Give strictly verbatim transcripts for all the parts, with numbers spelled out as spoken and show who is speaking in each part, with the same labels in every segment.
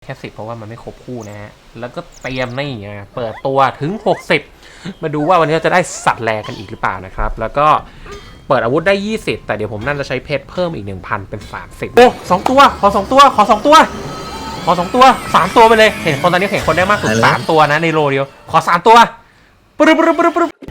Speaker 1: ค่สิบเพราะว่ามันไม่ครบคู่นะฮะแล้วก็เตรียมนี่ไงเปิดตัวถึงหกสิบมาดูว่าวันนี้เราจะได้สัตว์แลกันอีกหรือเปล่านะครับแล้วก็เปิดอาวุธได้ยี่สิบแต่เดี๋ยวผมน่าจะใช้เพชรเพิ่มอีก หนึ่งพัน เป็นสามสิบโอ้สองตัวขอสองตัวขอสองตัวขอสองตัวสามตัวไปเลยเห็นคนตอนนี้เห็นคนได้มากสุดสามตัวนะในโลเดียวขอสามตัวปึ๊บปึ๊บปึ๊บปึ๊บ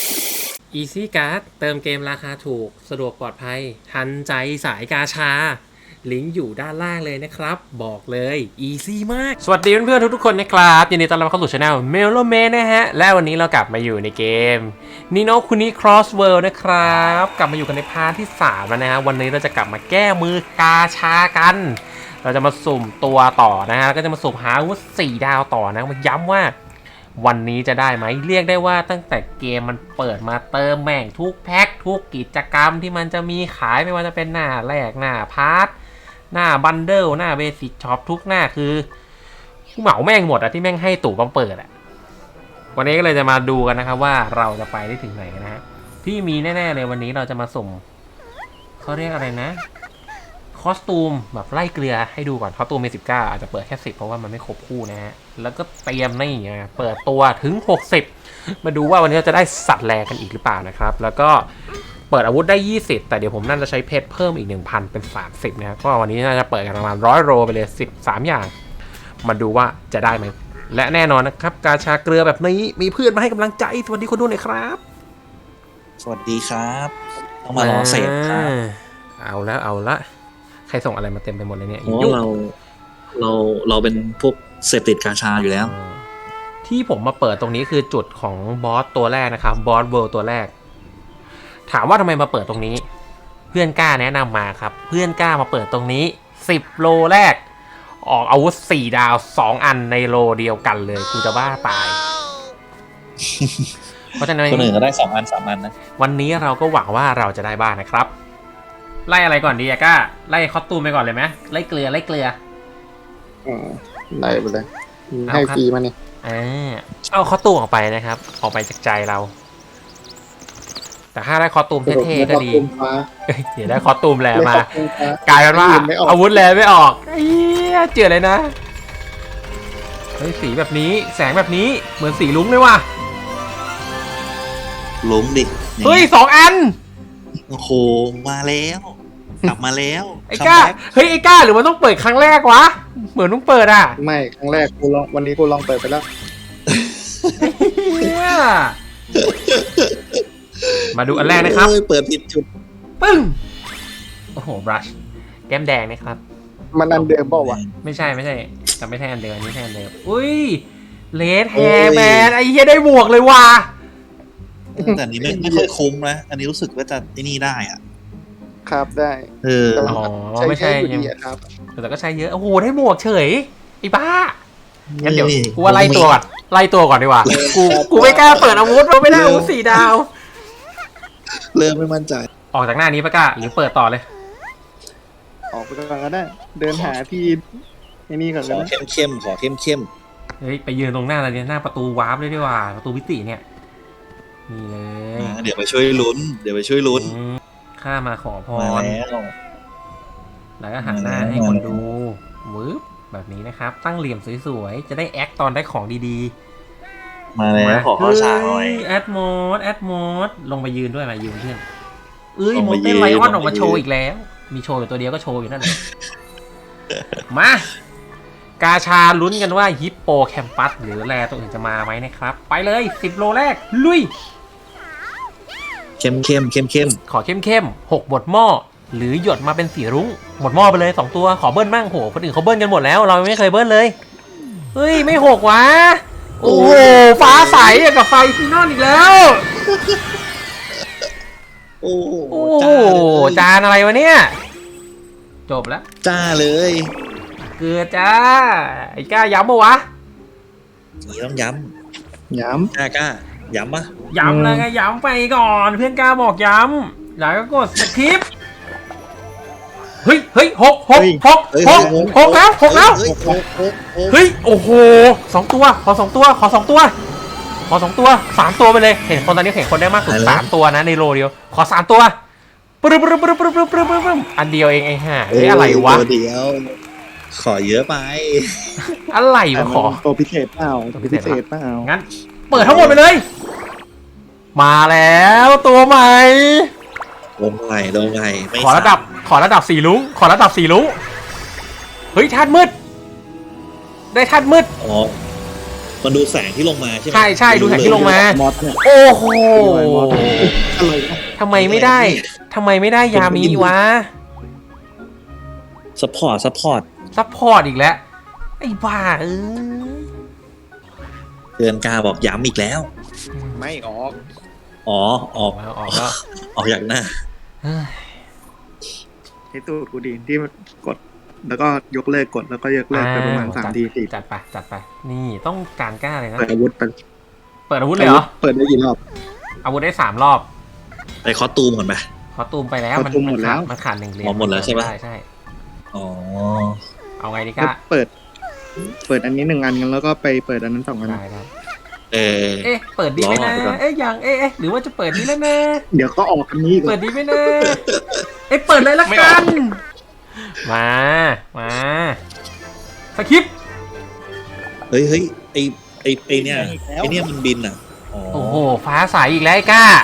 Speaker 1: Easy Card เติมเกมราคาถูกสะดวกปลอดภัยทันใจสายกาชาลิงก์อยู่ด้านล่างเลยนะครับบอกเลย Easy มากสวัสดีเพื่อนๆทุกๆคนนะครับยินดีต้อนรับเข้าสู่ช่อง Meloman นะฮะและวันนี้เรากลับมาอยู่ในเกม Nino Kuni Cross World นะครับกลับมาอยู่กันในพาร์ทที่สามแล้วนะฮะวันนี้เราจะกลับมาแก้มือกาชากันเราจะมาสุ่มตัวต่อนะฮะแล้วก็จะมาสุ่มหาอาวุธสี่ดาวต่อนะมาย้ำว่าวันนี้จะได้ไหมเรียกได้ว่าตั้งแต่เกมมันเปิดมาเติมแม่งทุกแพ็คทุกกิจกรรมที่มันจะมีขายไม่ว่าจะเป็นหน้าแรกหน้าพาร์ทหน้าบันเดิลหน้าเบสิกช็อปทุกหน้าคือเหมาแม่งหมดอะที่แม่งให้ตู่บังเปิดอะวันนี้ก็เลยจะมาดูกันนะครับว่าเราจะไปได้ถึงไหนนะฮะที่มีแน่ๆเลยวันนี้เราจะมาสุ่มเขาเรียกอะไรนะคอสตูมแบบไล่เกลือให้ดูก่อนคอสตูมมีสิบเก้าอาจจะเปิดแค่สิบเพราะว่ามันไม่ครบคู่นะฮะแล้วก็เตรียมนี่ไงเปิดตัวถึงหกสิบมาดูว่าวันนี้เราจะได้สัตว์แลกันอีกหรือเปล่านะครับแล้วก็เปิดอาวุธได้ยี่สิบแต่เดี๋ยวผมน่าจะใช้เพชรเพิ่มอีก หนึ่งพัน เป็นสามสิบนะครับก็วันนี้น่าจะเปิดกันประมาณร้อยโรไปเลยสิบสามอย่างมาดูว่าจะได้ไหมและแน่นอนนะครับกาชาเกลือแบบนี้มีเพื่อนมาให้กำลังใจสวัสดีคนดูหน่อยครับ
Speaker 2: สวัสดีครับต้องมารอเสพครับ
Speaker 1: เอาแล้วเอาละใครส่งอะไรมาเต็มไปหมดเลยเนี่ย
Speaker 2: เพราะเราเราเราเป็นพวกเสพติดกาชาอยู่แล้ว
Speaker 1: ที่ผมมาเปิดตรงนี้คือจุดของบอสตัวแรกนะครับบอสเวิลด์ตัวแรกถามว่าทำไมมาเปิดตรงนี้เพื่อนกล้าแนะนำมาครับเพื่อนกล้ามาเปิดตรงนี้สิบโลแรกออกอาวุธสี่ดาวสองอันในโลเดียวกันเลยกูจะบ้าตายเพราะฉะนั้น
Speaker 2: คนอื่นก็ได้สองอันสามอันนะ
Speaker 1: วันนี้เราก็หวังว่าเราจะได้บ้างนะครับไล่อะไรก่อนดีอะก้าไล่คอสตูมไปก่อนเลยไหมไล่เกลือไล่เกลือ
Speaker 3: อ๋อไล่ไปเลยให้ฟรีมาเนี่ย
Speaker 1: อ่าเอาคอสตูมออกไปนะครับออกไปจากใจเราแต่ถ้าได้คอสตูมเท่ๆก็ดีเดี๋ยวได้คอสตูมแหลมากลายเป็นว่าอาวุธแหลไม่ออกเฮียเจ๋อเลยนะเฮ้ยสีแบบนี้แสงแบบนี้เหมือนสีลุ้งเลยว่ะ
Speaker 2: ลุ้งดิ
Speaker 1: เฮ้ยสองอัน
Speaker 2: โอ้โหมาแล้วกลับมาแล้ว
Speaker 1: ไอ้ก้าเฮ้ยไอ้ก้าหรือมันต้องเปิดครั้งแรกวะเหมือนต้องเปิดอ่ะ
Speaker 3: ไม่ครั้งแรกกูลองวันนี้กูลองเปิดไปแล้ว
Speaker 1: มาดูอันแรกนะครับ
Speaker 2: เปิดผิดจุด
Speaker 1: ปึ้งโอ้โหบรัชแก้มแดงนะครับ
Speaker 3: มันอันเดิมเปล่าวะ
Speaker 1: ไม่ใช่ไม่ใช่แต่ไม่ใช่อันเดิมอันนี้ใช่อันเดิมอุ้ยเลดแฮร์แมนไอ้เหี้ยได้บวกเลยว่ะ
Speaker 2: แต่อันนี้ไม่ไม่ค่อยคุ้มนะอันนี้รู้สึกว่าจะไอ้นี่ได้อ่ะ
Speaker 3: ครับได้
Speaker 2: เออ
Speaker 1: อ๋อไม่ใช่
Speaker 3: ครับ
Speaker 1: แต่ก็ใช้เยอะโอ้โหได้บวกเฉยไอ้บ้างั้นเดี๋ยวกูว่าไล่ตัวก่อนไล่ตัวก่อนดีกว่ากูกูไม่กล้าเปิดอาวุธเพราะไม่ได้อาวุธสี่ดาว
Speaker 2: เริ่มไม่มั่นใจ
Speaker 1: ออกจากหน้านี้ปะก้าหรือเปิดต่อเลย
Speaker 3: ออกไปก่อนก็ได้เดินหาที่ไอ้นี่ก่อน
Speaker 2: ขอเข้มเข้มขอเข้มเข้ม
Speaker 1: เฮ้ยไปยืนตรงหน้าอะไรเนี่ยหน้าประตูวาร์ปเลยดีกว่าประตูพิติเนี่ยนี่เลย
Speaker 2: เดี๋ยวไปช่วยลุ้นเดี๋ยวไปช่วยลุ้น
Speaker 1: ข้ามาขอพร
Speaker 2: แล้ว
Speaker 1: แล้วก็หันหน้าให้คนดูวืบแบบนี้นะครับตั้งเหลี่ยมสวยๆจะได้แอคตอนได้ของดี
Speaker 2: ๆมาแล้วขอข้อฉากหน่อย
Speaker 1: แอดโมดแอดโมดลงไปยืนด้วยมายืนเพื่อนเอ้ยโมเต้นไลออนออกมาโชว์อีกแล้วมีโชว์อยู่ตัวเดียวก็โชว์อยู่นั่นแหละมากาชาลุ้นกันว่าฮิปโปแคมปัสหรือแรตัวอื่นจะมาไหมนะครับไปเลยสิบโลแรกลุย
Speaker 2: เข้มเข้มเข้มเข้ม
Speaker 1: ขอเข้มเข้มหกบทหม้อหรือหยดมาเป็นสีรุ้งหมดหม้อไปเลยสองตัวขอเบิ้ลบ้างโหคนอื่นเขาเบิ้ลกันหมดแล้วเราไม่เคยเบิ้ลเลยเฮ้ยไม่หกวะโอ้โหฟ้าใสกับไฟซีนอนอีกแล้ว
Speaker 2: โอ้โห
Speaker 1: จานอะไรวะเนี่ยจบแล้ว
Speaker 2: จ้าเลย
Speaker 1: เกลือจ้าไอ้ก้าย้ำปะวะ
Speaker 2: นี่ต้องย้
Speaker 3: ำย้
Speaker 2: ำกล้ากล้าย้ำปะ
Speaker 1: ย้ำเลยไงย้ำไปก่อนเพื่อนก้าบอกย้ำแล้วก็กดสคริปต์เฮ้ยเฮ้ยหกหกหกหกหกแล้วหกแล้วเฮ้ยโอ้โหสองตัวขอสองตัวขอสองตัวขอสองตัวสามตัวไปเลยเห็นคนตอนนี้เห็นคนได้มากสุดสามตัวนะในโลเดียวขอสามตัวปึ๊บปึ๊บปึ๊บปึ๊บปึ๊บปึ๊บปึ๊บอันเดียวเองไอ้ห่าไอ้อะไรวะ
Speaker 2: เดียวขอเยอะไป
Speaker 1: อะไร
Speaker 3: แต่
Speaker 1: วะ
Speaker 3: มัน
Speaker 1: ขอ
Speaker 3: ตัวพิเศษเปล่า
Speaker 1: ตั
Speaker 3: ตัว ว
Speaker 1: พิ
Speaker 3: พิ
Speaker 1: เศษ
Speaker 3: เศษเปล่า
Speaker 1: งั้น เปิดทั้งหมดไปเลย มาแล้วตัวใหม่
Speaker 2: ลงใหม่ลงใหม่ไม่
Speaker 1: ขอระดับ ขอระดับสีลุ้ง ขอระดับสีลุ้ง เฮ้ยธาตุมืด ได้ธาตุมืด
Speaker 2: อ๋อมันดูแสงที่ลงมาใช่ไหม
Speaker 1: ใช่ใช่ดูแสงที่ลงมา
Speaker 3: มอสเนี่ย
Speaker 1: โอ้โห
Speaker 3: อะไรนะ
Speaker 1: ทำไมไม่ได้ทำไมไม่ได้ยามีวะ
Speaker 2: ซัพพอร์ตซัพพอร์ต
Speaker 1: ซัพพอร์ตอีกแล้ว ไอ้บ้าเอ้ย
Speaker 2: เดือนกาบอกย้ำอีกแล้ว
Speaker 3: ไม่ออก
Speaker 2: อ๋อออก
Speaker 1: เอาออกแล้ว
Speaker 2: ออกจากหน้า
Speaker 1: เฮ้ย
Speaker 3: ใช้ตูดกูดีที่กด แล้วก็ยกเลิกกดแล้วก็ยกเลิกไปประมาณสามทีสี่
Speaker 1: จัดไปจัดไป นี่ต้องการกล้าเลยนะ
Speaker 3: เปิดอาวุธไป
Speaker 1: เปิดอาวุธเลยเหรอ
Speaker 3: เปิดได้กี่รอบ
Speaker 1: อาวุธได้สามรอบ
Speaker 2: ไปคอสตูมก่อนไป
Speaker 1: ขอตูมไปแล้ว
Speaker 3: ขอตูมหมดแล้ว
Speaker 1: มันขาดหนึ่งเหรียญ
Speaker 2: อ๋อหมดแล้วใช่ปะ
Speaker 1: ใช่ใช่
Speaker 2: อ๋อ
Speaker 1: เอาไงดี
Speaker 3: ก็
Speaker 1: ก้า
Speaker 3: เปิด เปิดอันนี้หนึ่งอันกันแล้วก็ไปเปิดอันนั้นสองอัน
Speaker 1: ได้ได้
Speaker 2: เออ
Speaker 1: เอ๊ะ เปิดดีไหม
Speaker 2: รอ
Speaker 1: นะ
Speaker 2: ไปก่อน
Speaker 1: เอ๊ะยังเอ๊ะเอ๊ะหรือว่าจะเปิดดีแล้วนะ
Speaker 3: เดี๋ยวก็ออกอันนี้อีก
Speaker 1: เปิดดีไหมนะเอ๊ะ เปิดเลยละกัน มา มาสคริปต์
Speaker 2: เฮ้ยเฮ้ยไอไอไอเนี่ยไอเนี่ยมันบินอ่ะอ๋อ
Speaker 1: โอ้โห ฟ้าใสอีกแล้วไอ้ก้า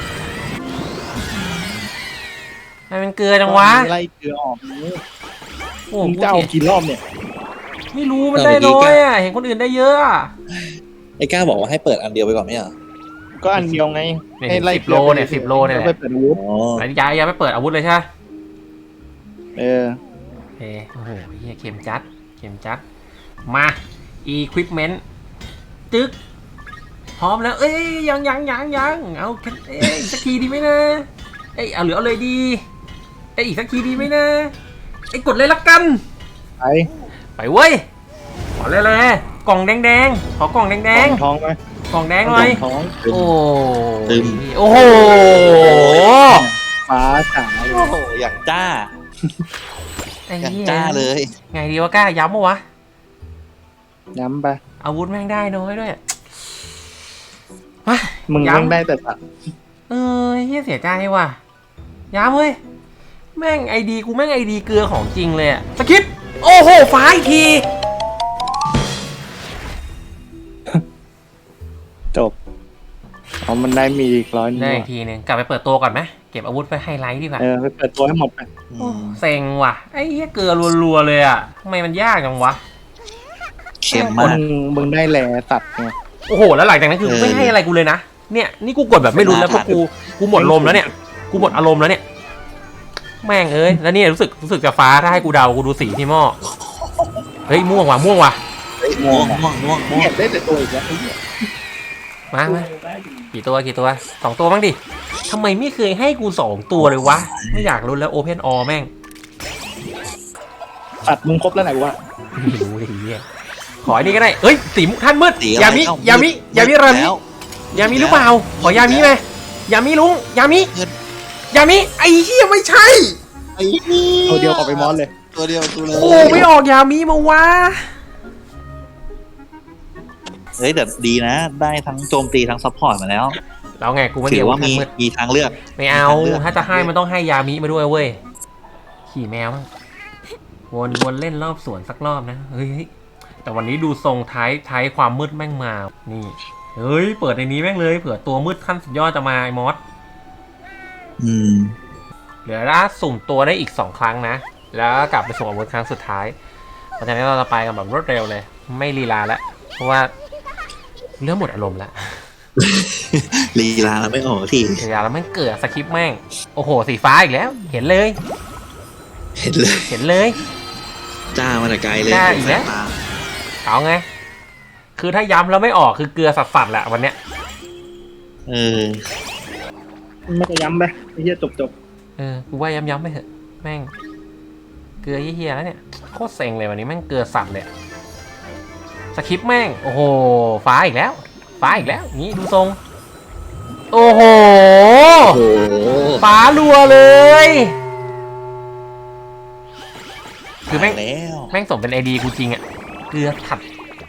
Speaker 1: ทำไมมันเกลือจังวะ
Speaker 3: ไล่เกลือออกนี้
Speaker 1: โอ้
Speaker 3: มึง
Speaker 1: โห
Speaker 3: จะเอากี่รอบเนี่ย
Speaker 1: ไม่รู้มันได้น้อยอ่ะ เห็นคนอื่นได้เยอะอะ
Speaker 2: ไอ้ก้าบอกว่าให้เปิดอันเดียวไปก่อนไหมอ่ะ
Speaker 3: ก็อันเดียวไง
Speaker 1: เนี่ย
Speaker 3: ให้ไล่
Speaker 1: สิบโลเนี่ยสิบโลเนี่ย
Speaker 3: แล้วไปเปิดอาวุธ
Speaker 2: อ๋อ
Speaker 1: ไอ้ยายยังไม่เปิดอาวุธเลยใช่ไหม
Speaker 3: เออ
Speaker 1: โอเคโอ้โหเฮียเข็มจัด เข็มจัด มา equipment จึ๊ก พร้อมแล้ว เอ้ย ยังยังยังยังเอาแค่เอ้ยอีกสักทีดีไหมนะ เอ้ย เอาเหลือเอาเลยดี เอ้ย อีกสักทีดีไหมนะ เอ้ย กดเลยละกัน
Speaker 3: ไป
Speaker 1: ไปเว้ย ขอเลยเลยกล่องแดงๆ ขอกล่องแดง
Speaker 3: ท้องไหม
Speaker 1: ๆ กล่องแดงหน่อย
Speaker 3: ท้อง
Speaker 1: โอ้ยโอ้โห
Speaker 3: ฟ้าจ๋าเล
Speaker 2: โอ้
Speaker 3: ย
Speaker 2: โหอย่างจ้า
Speaker 1: ไอ้
Speaker 2: อย่าง
Speaker 1: เหี้ย
Speaker 2: จ้าเลย
Speaker 1: ไงดีวะกล้าย้ำปะวะ
Speaker 3: ย้ำไป
Speaker 1: อาวุธแม่งได้น้อยด้วยมา
Speaker 3: มึง
Speaker 1: ย้ำ
Speaker 3: ต้องได้แต่สัตว์
Speaker 1: เออเฮียเสียใจว่ะย้ำเว้ย แม่งไอดีกูแม่งไอดีเกลือของจริงเลยอะสกิปโอ้โหฟ้าอีกที
Speaker 3: จบเอามันได้มีอีกร้อยนึง
Speaker 1: ได้อี
Speaker 3: ว่ะ
Speaker 1: กทีนึงกลับไปเปิดตัวก่อนไหมเก็บอาวุธไปไฮไลท์ดีกว่า
Speaker 3: เออไปเปิดตัวให้หมดไป
Speaker 1: โอ้เซ็งว่ะไอ้เฮียเกลือรัวๆเลยอะทำไมมันยากจังวะ
Speaker 2: เค็ม
Speaker 3: มึ
Speaker 2: มาก
Speaker 3: งมึงได้แลสัตว์ไง
Speaker 1: โอ้โหแล้วหลังจากนั้นคือ
Speaker 2: เออ
Speaker 1: ไม่ให้อะไรกูเลยนะเนี่ยนี่กูกดแบบไม่รู้แล้วเพราะกูกูหมดลมแล้วเนี่ยกูหมดอารมณ์แล้วเนี่ยแม่งเอ้ยแล้วเนี่ยรู้สึกรู้สึกจะฟ้าถ้าให้กูเดากูดูสีที่หม้อเฮ้ยม่วงว่ะม่วงว่ะ
Speaker 2: เฮ้ยม่วงม่วงม่วงม่วง
Speaker 3: เนี่ยได้แต่ตัวอีกแล้วไอ้เหี้ย
Speaker 1: มามากี่ตัวกี่ตัวสองตัวบ้างดิทำไมไม่เคยให้กูสองตัวเลยวะไม่อยากรู้แล้วโอเพนออแม่ง
Speaker 3: สัตว์มึงครบแล้วไหนวะ
Speaker 1: ไม่รู้เลยเฮียขอไอ้นี่ก็ได้เอ้ยสีท่านมืด
Speaker 2: สีอะไร
Speaker 1: ยามิ
Speaker 2: เอ้าย
Speaker 1: ามิยามิรามิ
Speaker 2: แล้ว
Speaker 1: ยามิหรือเปล่าขอยามิไหมยามิลุงยามิ
Speaker 2: เงิน
Speaker 1: ยามิไอ้เหี้ยไม่ใช่
Speaker 2: ไอ้นี่
Speaker 3: ตัวเดียวออกไปมอสเลย
Speaker 2: ตัวเดียวตัวเลย
Speaker 1: โอ้ไม่ออกยามิมาวะ
Speaker 2: เฮ้ยแต่ดีนะ ได้ทั้งโจมตีทั้งซัพพอร์ตมาแล้ว
Speaker 1: แล้วไงกูไม่
Speaker 2: ถื
Speaker 1: เดีย
Speaker 2: อ
Speaker 1: ว
Speaker 2: ว่ามี
Speaker 1: มืด
Speaker 2: มีทางเลือก
Speaker 1: ไม่เอา
Speaker 2: มีทางเลือก
Speaker 1: ถ้าจะให้มันต้องให้ยามิมาด้วยเว้ยขี่แมวมั้งวนวนเล่นรอบสวนสักรอบนะเฮ้ยแต่วันนี้ดูทรงท้ายท้ายความมืดแม่งมานี่เฮ้ยเปิดในนี้แม่งเลยเผื่อตัวมืดขั้นสุดยอดจะมาไอ้มอส
Speaker 2: อืม
Speaker 1: เหลือล่าสุ่มตัวได้อีกสองครั้งนะแล้วกลับไปส่งอาวุธครั้งสุดท้ายเพราะฉะนั้นเราจะไปกันแบบรวดเร็วเลย ไม่ลีลาแล้วเพราะว่าเริ่มหมดอารมณ์แล้ว
Speaker 2: ลีลาเราไม่ออกที
Speaker 1: ลีลาแล้วแม่งเกิดสคริปต์แม่งโอ้โหสีฟ้าอีกแล้ว เห็นเลย
Speaker 2: เห็นเลย
Speaker 1: เห็นเลย
Speaker 2: จ้ามาแต่ไกลเลย
Speaker 1: จ้าอีกแล้ว
Speaker 2: สายตา
Speaker 1: เอาไง คือถ้าย้ำแล้วไม่ออกคือเกลือสัสๆแหละวันเนี้ย
Speaker 2: เออ
Speaker 3: ไม่จะย้ำไปไอ้เหี้ยจบจบ
Speaker 1: เออ กูว่าย้ำๆไปเถอะ แม่ง เกลือเฮี้ยๆแล้วเนี่ย โคตรเซ็งเลยวันนี้แม่งเกลือสัตว์เลย สคริปต์แม่ง โอ้โห ฟ้าอีกแล้ว ฟ้าอีกแล้ว นี่ดูทรง โอ้โห
Speaker 2: โอ้โห
Speaker 1: ฟ้ารัวเลย คือแม่ง
Speaker 2: ตายแล้ว
Speaker 1: แม่งสมเป็นไอดีกูจริงอะเกลือถัด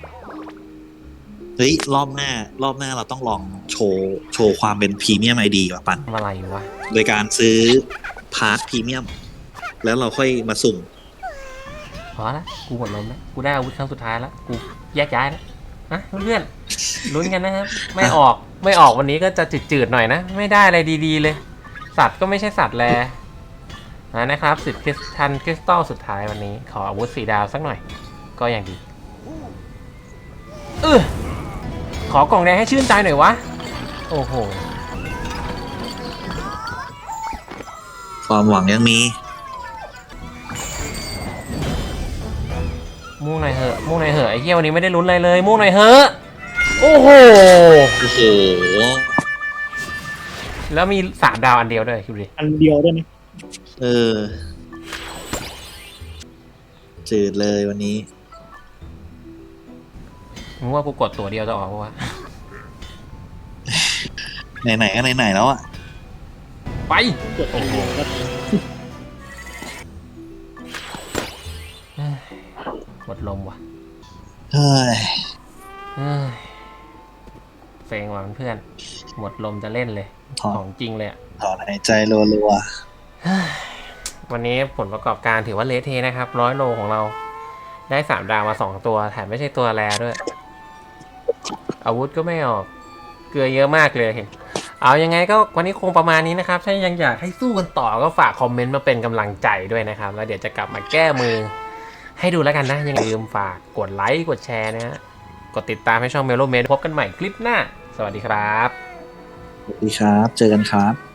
Speaker 2: เฮ้ยรอบหน้ารอบหน้าเราต้องลองโชว์โชว์ความเป็นพรีเมียมไอดีว่ะปัน
Speaker 1: ทำอะไรวะ
Speaker 2: โดยการซื้อพาร์ทพรีเมียมแล้วเราค่อยมาสุ่ม
Speaker 1: พอละกูหมดลมแล้วกูได้อาวุธครั้งสุดท้ายแล้วกูแยกย้ายแล้วนะเพื่อนๆลุ้นกันนะครับไม่ออกไม่ออกวันนี้ก็จะจืดๆหน่อยนะไม่ได้อะไรดีๆเลยสัตว์ก็ไม่ใช่สัตว์แลนะครับสิทธิ์คริสตัลคริสตัลสุดท้ายวันนี้ขออาวุธสีดาวสักหน่อยก็ยังดีเออขอกล่องแดงให้ชื่นใจหน่อยวะโอ้โห
Speaker 2: ความหวังยังมี
Speaker 1: ม่วงหน่อยเหอะม่วงหน่อยเหอะไอ้เหี้ยวันนี้ไม่ได้ลุ้นอะไรเลยม่วงหน่อยเหอะโอ้โห
Speaker 2: โอ้โห
Speaker 1: แล้วมีสามดาวอันเดียวด้วยคิดดิ
Speaker 3: อันเดียวด้วยนะ
Speaker 2: เออจืดเลยวันนี้
Speaker 1: มึงว่ากูกดตัวเดียวจะออกปะวะ
Speaker 2: ไหนๆก็ไหนๆแล้วอ่ะ
Speaker 1: ไป
Speaker 3: กดอันเดียวก็
Speaker 1: หมดลมว่ะ
Speaker 2: เฮ้ย
Speaker 1: เฮ้ยเซ็งว่ะเพื่อนหมดลมจะเล่นเลย
Speaker 2: ถอน
Speaker 1: ของจริงเลยอะ
Speaker 2: ถอนหายใจรัว
Speaker 1: วันนี้ผลประกอบการถือว่าเละเทะนะครับร้อยโลของเราได้สามดาวมาสองตัวแถมไม่ใช่ตัวแรด้วย อาวุธก็ไม่ออกเกลือเยอะมากเลยเห็นเอายังไงก็วันนี้คงประมาณนี้นะครับถ้ายังอยากให้สู้กันต่อก็ฝากคอมเมนต์มาเป็นกำลังใจด้วยนะครับแล้วเดี๋ยวจะกลับมาแก้มือให้ดูแล้วกันนะยังอย่าลืมฝากกดไลค์กดแชร์นะฮะกดติดตามให้ช่องเมโลเมดพบกันใหม่คลิปหน้าสวัสดีครับ
Speaker 2: ๆสวัสดีครับ เจอกันครับ